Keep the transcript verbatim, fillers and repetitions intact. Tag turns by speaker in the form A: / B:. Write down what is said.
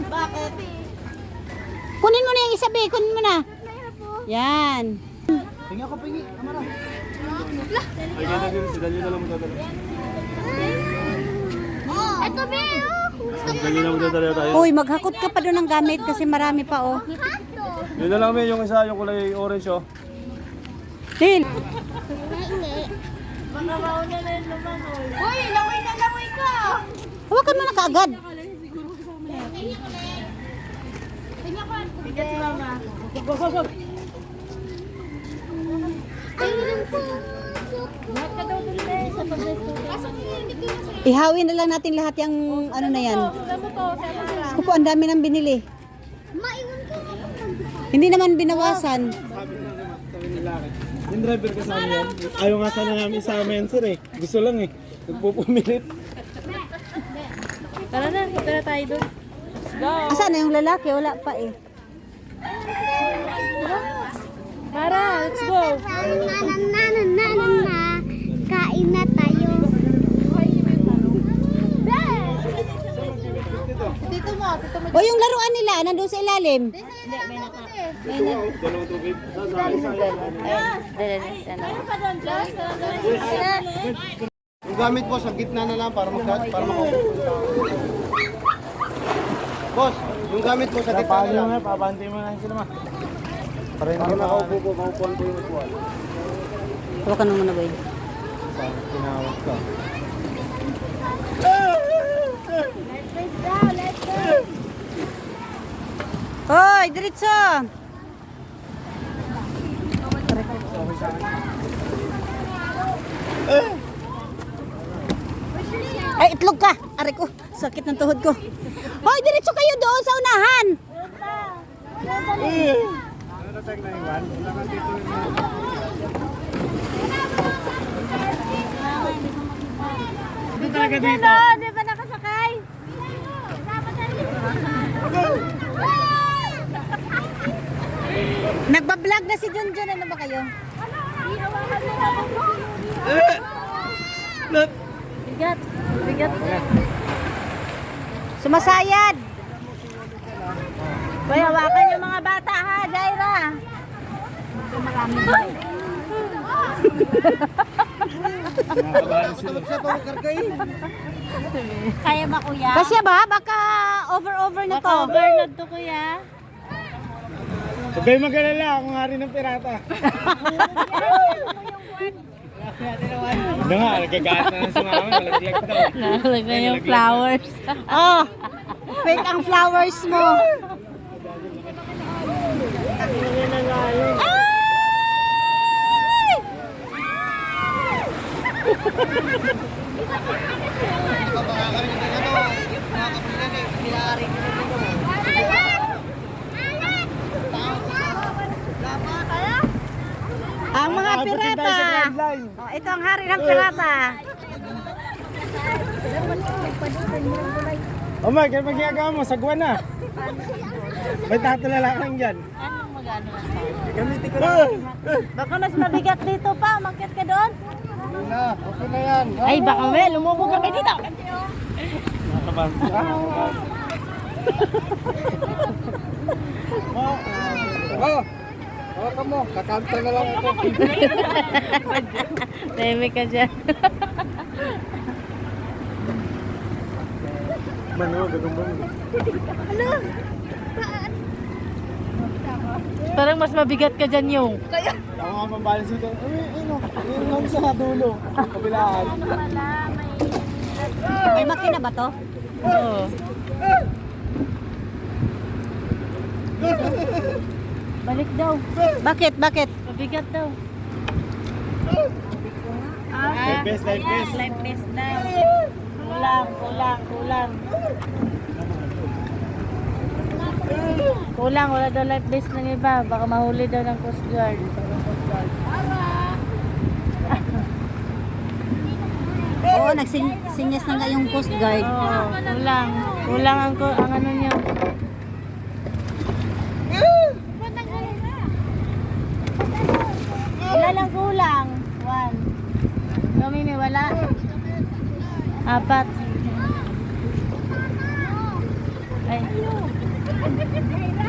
A: Bakit?
B: Kunin mo na yung isa, be. Kunin mo na. Yan.
C: Pingi ako, pingi. Kamara.
D: Ay, ganda din. Si Daniel na lang magdadala.
A: Ito, be.
D: Si Daniel na magdadala tayo.
B: Uy, maghakot ka pa doon ng gamit kasi marami pa, oh.
D: Yun na lang, may yung isa, yung kulay orange, oh.
B: Din.
A: Baka mauna na yung lumangoy. Uy, langoy na langoy ka.
B: Hawakan mo na kaagad.
A: Bigat si mama. Lahat ka daw dun eh, sa pag-resto.
B: Ihawin na lang natin lahat yung ano na yan.
A: Ano to, sa Mara?
B: Kupo, ang dami ng binili.
A: Maiwan ka nga pa.
B: Hindi naman binawasan.
C: Sabi na naman, sabi ni Laki. Yung driver kasama yan. Ayaw nga sana namin isama yan, sir eh. Gusto lang eh. Nagpupumilit.
A: Tara na, tara tayo doon. Let's go.
B: Asan na yung lalaki? Wala pa eh.
A: Tara, let's go.
E: Kain na tayo.
A: Tito mo, tito mo.
B: O yung laruan nila, nandun sa ilalim.
D: Dalawang tubig.
A: Meron pa doon, Josh.
C: Yung gamit boss, sa gitna na lang para mag para makaupo. Boss, yung gamit mo sa gitna na lang. Pabanti mo na sila ma. Para hindi makaupo po, makaupuan po yung upuan.
B: Hawakan mo muna, boy.
C: Sabi, tinawag ka.
B: Hoy, diretso! Ay, itlog ka! Aray ko, sakit ng tuhod ko. Hoy, diretso kayo doon sa unahan!
C: Ito talaga dito.
A: Di ba nakasakay?
B: Nagbablog na si Junjun. Ano ba kayo?
A: Bigat. Bigat.
B: Sumasayad!
A: Bay, hawakan yung mga bata ha, Jaira. Kaya ba kuya?
B: Kasya ba? Baka over-over na to.
A: Overload to kuya.
C: Huwag kayo mag-alala, ako nga rin ng pirata. Ano nga, nagkagaat na ng sumama, nalaglag daw.
A: Nalaglag na yung flowers.
B: Oh, fake ang flowers mo. Ang mga pirata. Oh, ito ang hari ng pirata.
C: Oh my, kaya magyagawa mo, sagwan na. May tatulalakan dyan.
A: Anong magano?
C: Gamitin ko lang.
A: Baka mas mabigat dito pa, makit ka doon.
C: Hindi na, okay na yan.
A: Ay, baka well, lumubog kami dito.
C: Nakaban. Oh, hawakan mo, kakanta na lang ako.
A: Tahimik ka dyan.
C: Mano, gagambang.
A: Parang mas mabigat ka dyan yung.
C: Ako nga pambalance dito. Ay, ano, yun lang sa dulo. Kabilaan.
B: May makina ba to?
A: Oo. Balik daw.
B: Bakit? Bakit?
A: Mabigat daw.
C: Life best, life best.
A: Life best daw. Kulang, kulang, kulang. Kulang, wala daw life vest ng iba. Baka mahuli daw ng Coast Guard.
B: Oo, nagsinyas na nga yung Coast Guard.
A: Oo, kulang. Kulang ang, ang ano niya. Ilan lang kulang? One. Kami may wala. Apat. Ay, Kain tayo.